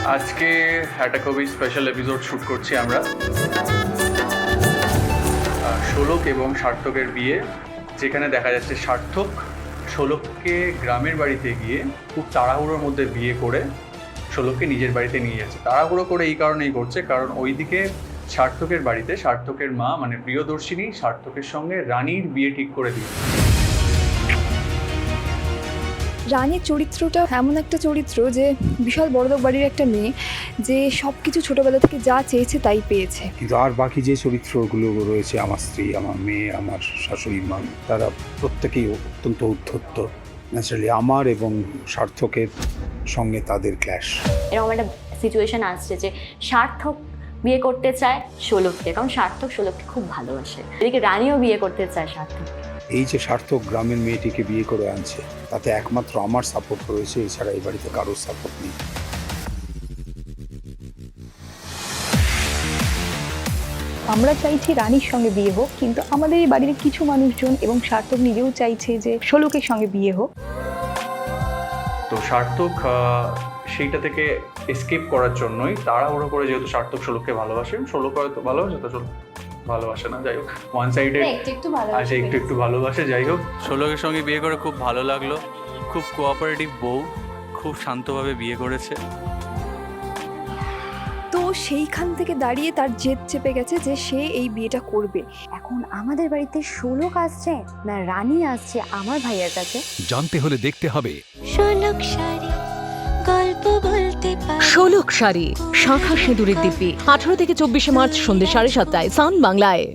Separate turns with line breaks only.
আজকে একটা খুবই স্পেশাল এপিসোড শ্যুট করছি আমরা। শোলক এবং সার্থকের বিয়ে, যেখানে দেখা যাচ্ছে সার্থক শোলককে গ্রামের বাড়িতে গিয়ে খুব তাড়াহুড়োর মধ্যে বিয়ে করে শোলককে নিজের বাড়িতে নিয়ে যাচ্ছে। তাড়াহুড়ো করে এই কারণেই করছে কারণ ওইদিকে সার্থকের বাড়িতে সার্থকের মা মানে প্রিয়দর্শিনী সার্থকের সঙ্গে রানীর বিয়ে ঠিক করে দিয়েছে।
রানীর চরিত্রটা এমন একটা চরিত্র যে বিশাল বড়লোক বাড়ির একটা মেয়ে, যে সব কিছু ছোটোবেলা থেকে যা চেয়েছে তাই পেয়েছে।
কিন্তু আর বাকি যে চরিত্রগুলো রয়েছে, আমার স্ত্রী, আমার মেয়ে, আমার শাশুড়ি মা, তারা প্রত্যেকেই অত্যন্ত উদ্ধত্ত। ন্যাচারালি আমার এবং সার্থকের সঙ্গে তাদের ক্ল্যাশ।
এরকম একটা সিচুয়েশন আসছে যে সার্থক বিয়ে করতে চায় শোলককে, কারণ সার্থক শোলককে খুব ভালোবাসে। এদিকে রানীও বিয়ে করতে চায় সার্থক।
এই যে সার্থক গ্রামের মেয়েটিকে বিয়ে করে আনছে, তাতে একমাত্র আমার সাপোর্ট রয়েছে, এছাড়া এই বাড়িতে কারোর সাপোর্ট নেই।
আমরা চাইছি রানীর সঙ্গে বিয়ে হোক, কিন্তু আমাদের এই বাড়ির কিছু মানুষজন এবং সার্থক নিজেও চাইছে যে শোলকের সঙ্গে বিয়ে হোক।
তো সার্থক সেইটা থেকে এসকেপ করার জন্যই তাড়াহুড়ো করে, যেহেতু সার্থক শোলককে ভালোবাসে, শোলক হয়তো ভালোবাসে, তো শোলক ভালোবাসে না, যাই হোক ওয়ান সাইডে আছে, একটু একটু ভালোবাসে। যাই হোক, শোলকের সঙ্গে বিয়ে করে খুব ভালো লাগলো। খুব কোঅপারেটিভ বউ, খুব শান্তভাবে বিয়ে করেছে।
তো সেইখান থেকে দাঁড়িয়ে তার জেদ চেপে গেছে যে সে এই বিয়েটা করবে।
এখন আমাদের বাড়িতে শোলক আসছে না রানী আসছে আমার ভাইয়ের কাছে,
জানতে হলে দেখতে হবে
শোলক শাড়ি, গল্প বলতে পারি।
শোলক শাড়ি, শাঁখা সিঁদুরের দিব্যি, 18 থেকে 24 মার্চ সন্ধ্যে 7:30 সান বাংলায়।